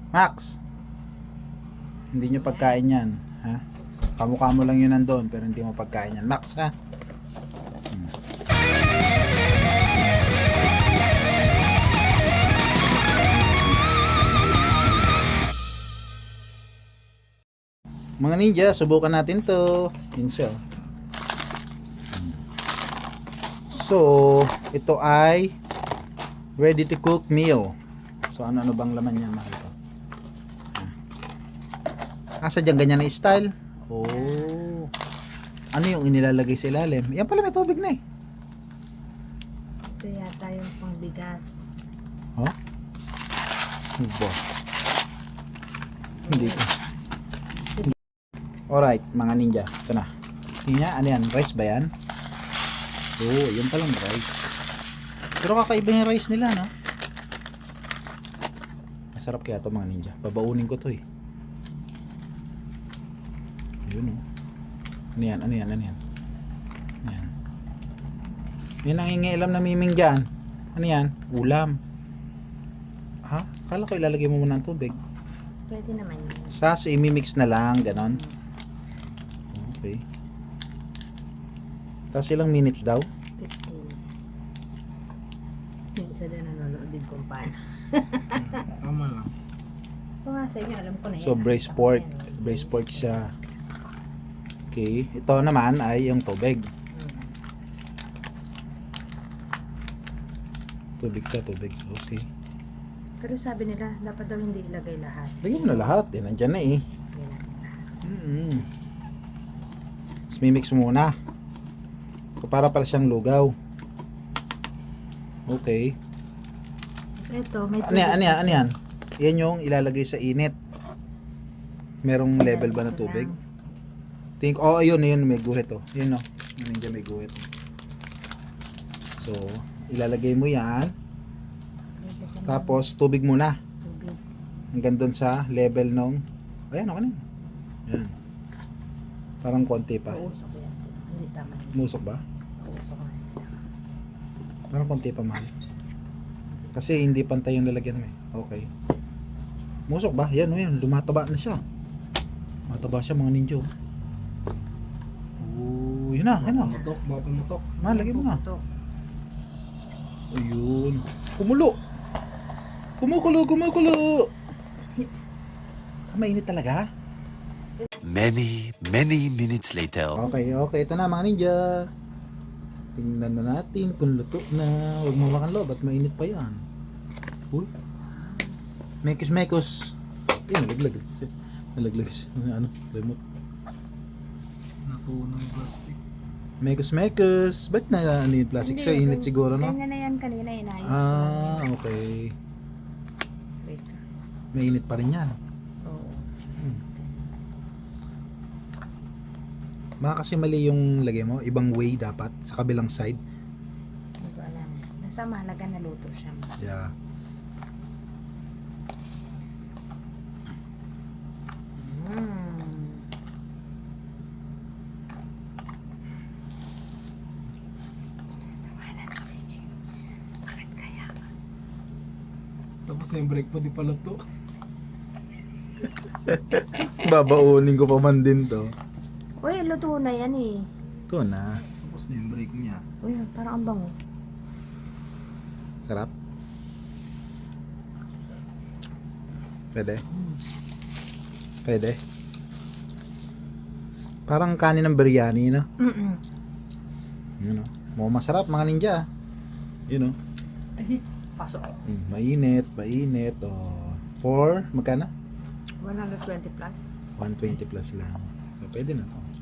Max, hindi nyo pagkain yan. Ha? Kamukha mo lang yun nandun, pero hindi mo pagkain yan. Max, ha? Mga ninja, subukan natin to. Yun siya. So, ito ay ready to cook meal. So, ano bang laman niya, mahal ko? Sadyang ganyan na style. Oh. Ano yung inilalagay sa ilalim? Yan pala, may tubig na eh. Ito yata yung pangbigas. Oh? Ano ba? Hindi ko. Alright, mga ninja. Ito na. Tingnan, ano yan? Rice ba yan? Oh, yan palang rice. Pero kakaiba yung rice nila, no? Masarap kaya ito, mga ninja. Babaunin ko to eh. Yun, oh. Ano yan? Ano yan? Ano yan? Ano yan? Yan ang nangingialam na miming dyan. Ano yan? Ulam. Ha? Kala ko ilalagay mo muna ng tubig. Pwede naman yun. So, imimix na lang, ganon. Okay. Tapos ilang minutes daw? 15. Yung isa din nanonood din kung paano. Tama lang. Ito nga sa inyo, alam ko na yan. So, braised pork. Braised pork siya. Okay. Ito naman ay yung tubig. Tubig ka, tubig. Okay. Pero sabi nila, dapat daw hindi ilagay lahat. Lagyan mo na lahat. Eh, nandyan na eh. Lagyan natin lahat. Tapos mimix muna. So, para pala siyang lugaw. Okay. Tapos ito, may Ano yan? Ano yan? Ano yan? Yan yung ilalagay sa init. Merong level ba na tubig? Think, oh, ayun, may guhit, oh. Yun, oh. Yun, may guhit. So, ilalagay mo yan. Tapos, tubig muna. Tubig. Hanggang doon sa level nung, ayan, okay na. Yan. Parang konti pa. Uusok ko yan. Hindi tama yun. Musok ba? Uusok ko yan. Parang konti pa, mahal. Kasi hindi pantay yung lalagyan mo eh. Okay. Musok ba? Yan, yan. Lumataba na siya. Mataba siya, mga ninjo. Oh, yun na, yun na. Pumutok, baka pumutok. Mahal, lagay mo na. Ito. Ayun. Kumulo. Kumukulo. Mainit talaga. Many minutes later. Okay. Ito na, mga ninja. Tingnan na natin kung luto na. Huwag mo makan loob at mainit pa yan. Uy. Mekos. Nalaglag siya. Ano? Remote. Natunaw ng plastic. Mekos. Ba't na ano yung plastic? Sa init siguro, no? Ganyan na yan kanina, inayos ko. Okay. Wait. Mainit pa rin yan. Oo. Baka kasi mali yung lagay mo. Ibang way dapat. Sa kabilang side. Hindi ko alam. Basta mahalaga na luto siya. Yeah. Tapos na yung break mo, di pala to. Babaunin ko pa man din to. Uy, luto na yan eh. Ito na. Tapos na yung break niya. Uy, parang ang bango. Sarap. Pwede. Parang kanin ng biryani, no? Yun, no? Mukhang masarap, mga ninja. Yun, no? Ay, pasok. Mainit. Oh. For, magkano? 120 plus. 120 plus lang. So, pwede na to.